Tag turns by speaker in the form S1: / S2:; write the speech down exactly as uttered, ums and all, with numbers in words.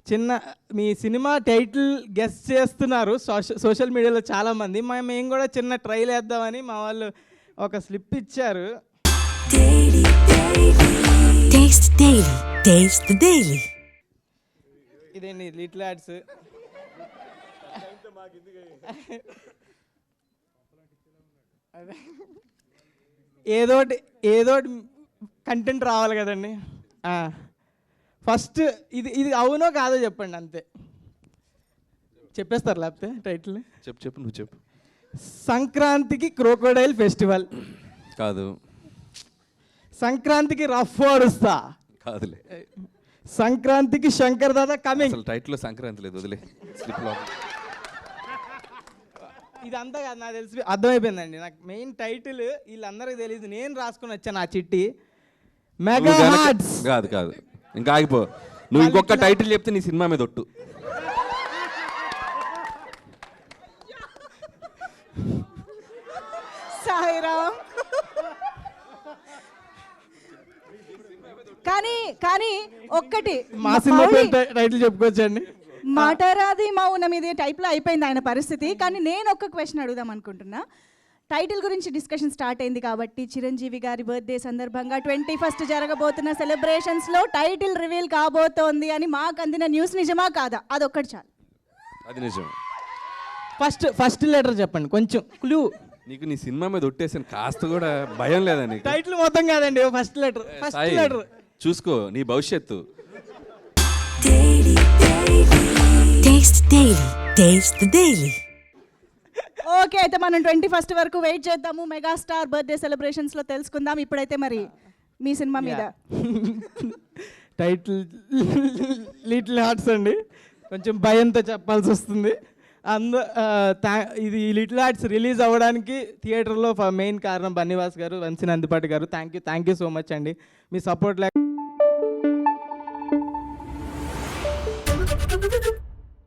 S1: చిన్న మీ సినిమా టైటిల్ గెస్ చేస్తున్నారు సోషల్ సోషల్ మీడియాలో చాలామంది. మా మేము కూడా చిన్న ట్రైల్ వేద్దామని మా వాళ్ళు ఒక స్లిప్ ఇచ్చారు. ఇదేంటి లిటిల్ ఆర్ట్స్. ఏదోటి ఏదోటి కంటెంట్ రావాలి కదండి. ఫస్ట్ ఇది ఇది అవునో కాదో చెప్పండి, అంతే. చెప్పేస్తారు లేకపోతే టైటిల్.
S2: చెప్పు చెప్పు నువ్వు చెప్పు.
S1: సంక్రాంతికి క్రోకోడైల్ ఫెస్టివల్
S2: కాదు.
S1: సంక్రాంతికి రఫ్ ఆడుస్తా
S2: కాదులే.
S1: సంక్రాంతికి శంకర్ దాదా కమింగ్.
S2: అసలు టైటిల్లో సంక్రాంతి లేదు, వదిలే. స్లిప్లో
S1: ఇదంతా కాదు, నాకు తెలిసి అర్థమైపోయిందండి. నాకు మెయిన్ టైటిల్ వీళ్ళందరికీ తెలియదు, నేను రాసుకుని వచ్చాను ఆ చిట్టి. Mega hearts.
S2: కాదు కాదు, ఇంకా ఆగిపో. నువ్వు ఇంకొక టైటిల్ చెప్తే నీ సినిమా మీద ఒట్టు.
S3: సాయిరామ్. కానీ కానీ ఒక్కటి
S1: మా సినిమా టైటిల్ చెప్పుకోవచ్చండి.
S3: మాటరాది మౌనం ఇది టైప్లో అయిపోయింది ఆయన పరిస్థితి. కానీ నేను ఒక్క క్వశ్చన్ అడుగుదాం అనుకుంటున్నా. టైటిల్ గురించి డిస్కషన్ స్టార్ట్ అయింది కాబట్టి చిరంజీవి గారి బర్త్డే సందర్భంగా ట్వంటీ ఫస్ట్ జరగబోతున్న సెలబ్రేషన్స్లో టైటిల్ రివీల్ కాబోతోంది అని మాకు అందిన న్యూస్ నిజమా కాదా? అదొక్కటి చాలు.
S2: అది నిజం.
S1: ఫస్ట్ ఫస్ట్ లెటర్ చెప్పండి, కొంచెం క్లూ.
S2: నీకు నీ సినిమా మీద ఒట్టేసాను, కాస్త కూడా భయం లేదా నీకు?
S1: టైటిల్ మొత్తం కాదండి, ఫస్ట్ లెటర్. ఫస్ట్ లెటర్
S2: చూసుకో నీ భవిష్యత్తు.
S3: ఓకే, అయితే మనం ట్వంటీ ఫస్ట్ వరకు వెయిట్ చేద్దాము. మెగాస్టార్ బర్త్డే సెలబ్రేషన్స్లో తెలుసుకుందాం. ఇప్పుడైతే మరి మీ సినిమా మీద
S1: టైటిల్ లిటిల్ హార్ట్స్ అండి. కొంచెం భయంతో చెప్పాల్సి వస్తుంది. అందు ఇది లిటిల్ హార్ట్స్ రిలీజ్ అవ్వడానికి థియేటర్లో మెయిన్ కారణం బన్నీవాస్ గారు, వంశీ నందిపాటి గారు. Thank you thank you so much అండి. మీ సపోర్ట్ లేక